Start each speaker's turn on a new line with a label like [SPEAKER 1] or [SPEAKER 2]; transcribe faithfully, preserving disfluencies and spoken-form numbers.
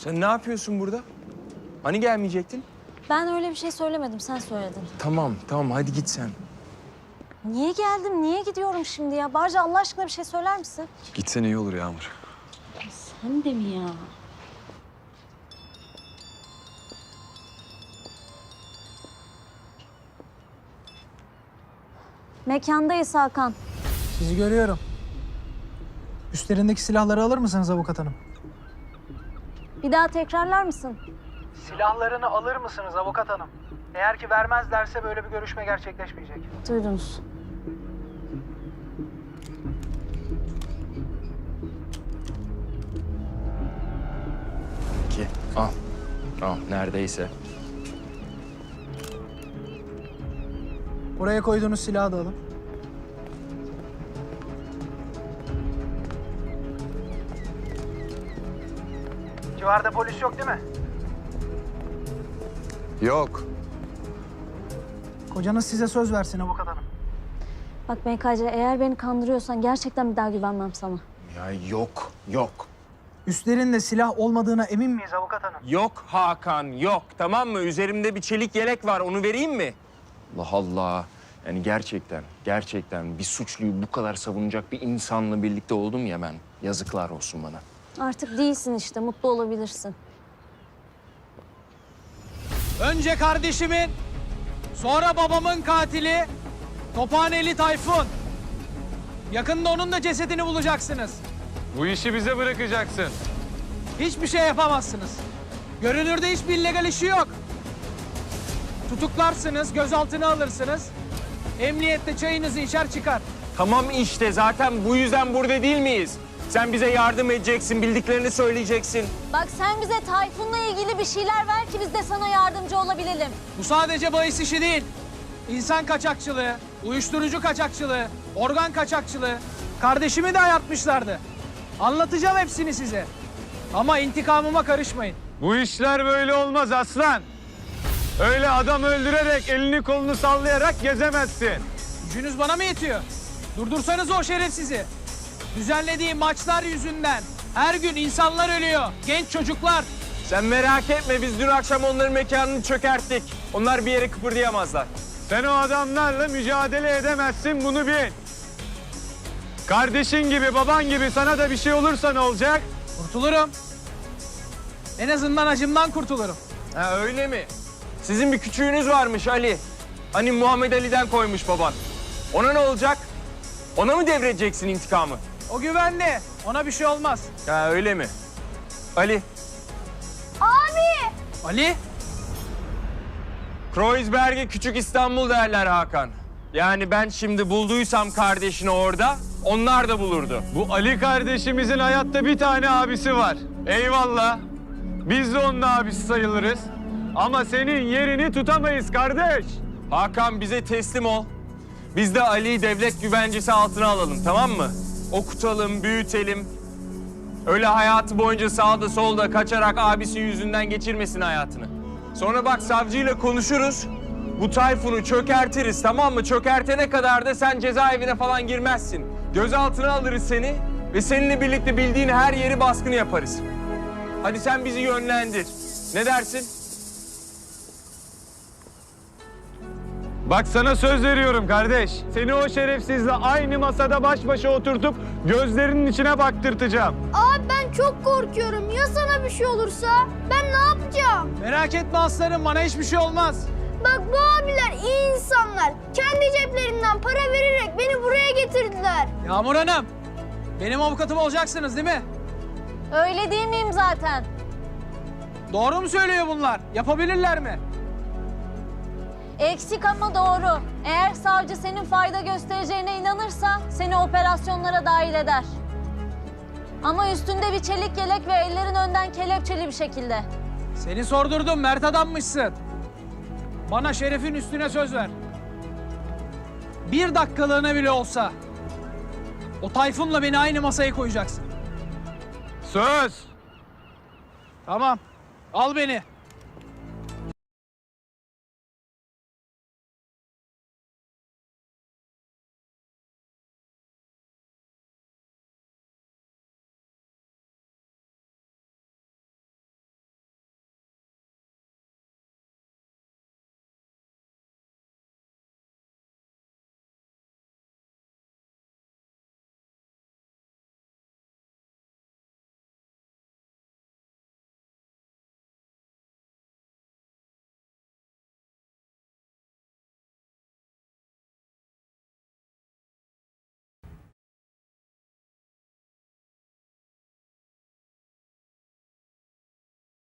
[SPEAKER 1] Sen ne yapıyorsun burada? Hani gelmeyecektin?
[SPEAKER 2] Ben öyle bir şey söylemedim, sen söyledin.
[SPEAKER 1] Tamam, tamam. Hadi git sen.
[SPEAKER 2] Niye geldim, niye gidiyorum şimdi ya? Barca Allah aşkına bir şey söyler misin?
[SPEAKER 3] Gitsen iyi olur Yağmur.
[SPEAKER 2] Sen de mi ya? Mekandayız Hakan.
[SPEAKER 4] Sizi görüyorum. Üstlerindeki silahları alır mısınız avukat hanım?
[SPEAKER 2] Bir daha tekrarlar mısın?
[SPEAKER 4] Silahlarını alır mısınız avukat hanım? Eğer ki vermezlerse böyle bir görüşme gerçekleşmeyecek.
[SPEAKER 2] Duydunuz.
[SPEAKER 1] Ki al. Al neredeyse.
[SPEAKER 4] Oraya koyduğunuz silahı da alın. Civarda polis yok değil mi?
[SPEAKER 3] Yok.
[SPEAKER 4] Kocanız size söz versin avukat hanım.
[SPEAKER 2] Bak M K C, eğer beni kandırıyorsan gerçekten bir daha güvenmem sana.
[SPEAKER 1] Ya yok, yok.
[SPEAKER 4] Üstlerinde silah olmadığına emin miyiz avukat hanım?
[SPEAKER 1] Yok Hakan, yok. Tamam mı? Üzerimde bir çelik yelek var. Onu vereyim mi? Allah Allah. Yani gerçekten, gerçekten bir suçluyu bu kadar savunacak bir insanla birlikte oldum ya ben. Yazıklar olsun bana.
[SPEAKER 2] Artık değilsin işte, mutlu olabilirsin.
[SPEAKER 4] Önce kardeşimin, sonra babamın katili Tophaneli Tayfun. Yakında onun da cesedini bulacaksınız.
[SPEAKER 5] Bu işi bize bırakacaksın.
[SPEAKER 4] Hiçbir şey yapamazsınız. Görünürde hiçbir illegal işi yok. Tutuklarsınız, gözaltına alırsınız. Emniyette çayınızı içer çıkar.
[SPEAKER 1] Tamam işte zaten bu yüzden burada değil miyiz? Sen bize yardım edeceksin, bildiklerini söyleyeceksin.
[SPEAKER 2] Bak sen bize Tayfun'la ilgili bir şeyler ver ki biz de sana yardımcı olabilelim.
[SPEAKER 4] Bu sadece bahis işi değil. İnsan kaçakçılığı, uyuşturucu kaçakçılığı, organ kaçakçılığı. Kardeşimi de ayartmışlardı. Anlatacağım hepsini size. Ama intikamıma karışmayın.
[SPEAKER 5] Bu işler böyle olmaz aslan. Öyle adam öldürerek, elini kolunu sallayarak gezemezsin.
[SPEAKER 4] Gücünüz bana mı yetiyor? Durdursanız o şerefsizi. Düzenlediği maçlar yüzünden her gün insanlar ölüyor. Genç çocuklar.
[SPEAKER 1] Sen merak etme, biz dün akşam onların mekanını çökerttik. Onlar bir yere kıpırdayamazlar.
[SPEAKER 5] Sen o adamlarla mücadele edemezsin, bunu bil. Kardeşin gibi, baban gibi sana da bir şey olursa ne olacak?
[SPEAKER 4] Kurtulurum. En azından acımdan kurtulurum.
[SPEAKER 1] Ha öyle mi? Sizin bir küçüğünüz varmış Ali. Hani Muhammed Ali'den koymuş baban. Ona ne olacak? Ona mı devredeceksin intikamı?
[SPEAKER 4] O güvenli. Ona bir şey olmaz.
[SPEAKER 1] Ha öyle mi? Ali,
[SPEAKER 4] Ali,
[SPEAKER 1] Kreuzberg'e küçük İstanbul derler Hakan. Yani ben şimdi bulduysam kardeşini orada, onlar da bulurdu.
[SPEAKER 5] Bu Ali kardeşimizin hayatta bir tane abisi var. Eyvallah. Biz de onun abisi sayılırız. Ama senin yerini tutamayız kardeş.
[SPEAKER 1] Hakan bize teslim ol. Biz de Ali'yi devlet güvencesi altına alalım, tamam mı? Okutalım, büyütelim. Öyle hayatı boyunca sağda solda kaçarak abisi yüzünden geçirmesin hayatını. Sonra bak savcıyla konuşuruz. Bu Tayfun'u çökertiriz, tamam mı? Çökertene kadar da sen cezaevine falan girmezsin. Gözaltına alırız seni ve seninle birlikte bildiğin her yeri baskını yaparız. Hadi sen bizi yönlendir. Ne dersin?
[SPEAKER 5] Bak sana söz veriyorum kardeş. Seni o şerefsizle aynı masada baş başa oturtup gözlerinin içine baktırtacağım.
[SPEAKER 6] Abi ben çok korkuyorum. Ya sana bir şey olursa? Ben ne yapacağım?
[SPEAKER 4] merak etme aslanım. Bana hiçbir şey olmaz.
[SPEAKER 6] Bak bu abiler iyi insanlar. Kendi ceplerinden para vererek beni buraya getirdiler.
[SPEAKER 4] Yağmur Hanım, benim avukatım olacaksınız değil mi?
[SPEAKER 2] Öyle değil miyim zaten?
[SPEAKER 4] Doğru mu söylüyor bunlar? Yapabilirler mi?
[SPEAKER 2] Eksik ama doğru. Eğer savcı senin fayda göstereceğine inanırsa seni operasyonlara dahil eder. Ama üstünde bir çelik yelek ve ellerin önden kelepçeli bir şekilde.
[SPEAKER 4] Seni sordurdum, mert adammışsın. Bana şerefin üstüne söz ver. Bir dakikalığına bile olsa o Tayfun'la beni aynı masaya koyacaksın.
[SPEAKER 5] Söz.
[SPEAKER 4] Tamam, al beni.